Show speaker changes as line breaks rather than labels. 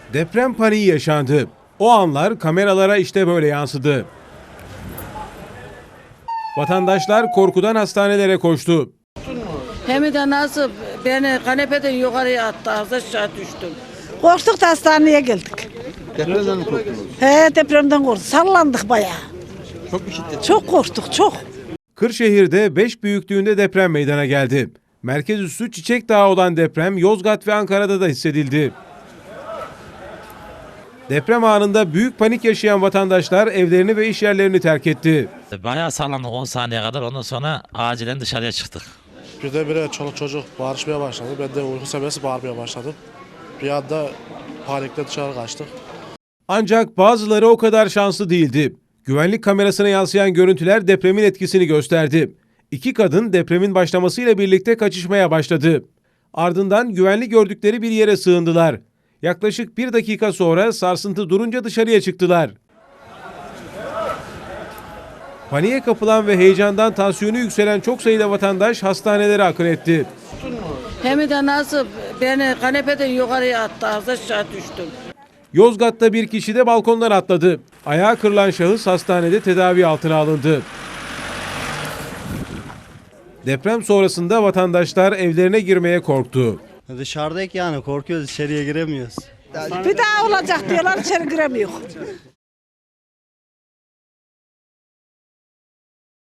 Deprem paniği yaşandı. O anlar kameralara işte böyle yansıdı. Vatandaşlar korkudan hastanelere koştu.
Hem de nasıl beni kanepeden yukarıya attı, az aşağı düştüm.
Korktuk da hastaneye geldik.
Depremden mi korktunuz?
He, depremden korktuk. Sallandık bayağı.
Çok mu şiddetli?
Çok korktuk, çok.
Kırşehir'de 5 büyüklüğünde deprem meydana geldi. Merkez üssü Çiçek Dağı olan deprem Yozgat ve Ankara'da da hissedildi. Deprem anında büyük panik yaşayan vatandaşlar evlerini ve iş yerlerini terk etti.
Bayağı sallandık 10 saniye kadar, ondan sonra acilen dışarıya çıktık.
Birdenbire çoluk çocuk bağırışmaya başladı. Ben de uyku seviyesi bağırmaya başladım. Bir anda panikle dışarı kaçtık.
Ancak bazıları o kadar şanslı değildi. Güvenlik kamerasına yansıyan görüntüler depremin etkisini gösterdi. İki kadın depremin başlamasıyla birlikte kaçışmaya başladı. Ardından güvenli gördükleri bir yere sığındılar. Yaklaşık 1 dakika sonra sarsıntı durunca dışarıya çıktılar. Paniğe kapılan ve heyecandan tansiyonu yükselen çok sayıda vatandaş hastanelere akın etti.
Hem de nasıl beni kanepeden yukarıya attı, az aşağı düştüm.
Yozgat'ta bir kişi de balkondan atladı. Ayağı kırılan şahıs hastanede tedavi altına alındı. Deprem sonrasında vatandaşlar evlerine girmeye korktu.
Dışarıdayız yani korkuyoruz, içeriye giremiyoruz.
Bir daha olacak diyorlar, içeri giremiyor.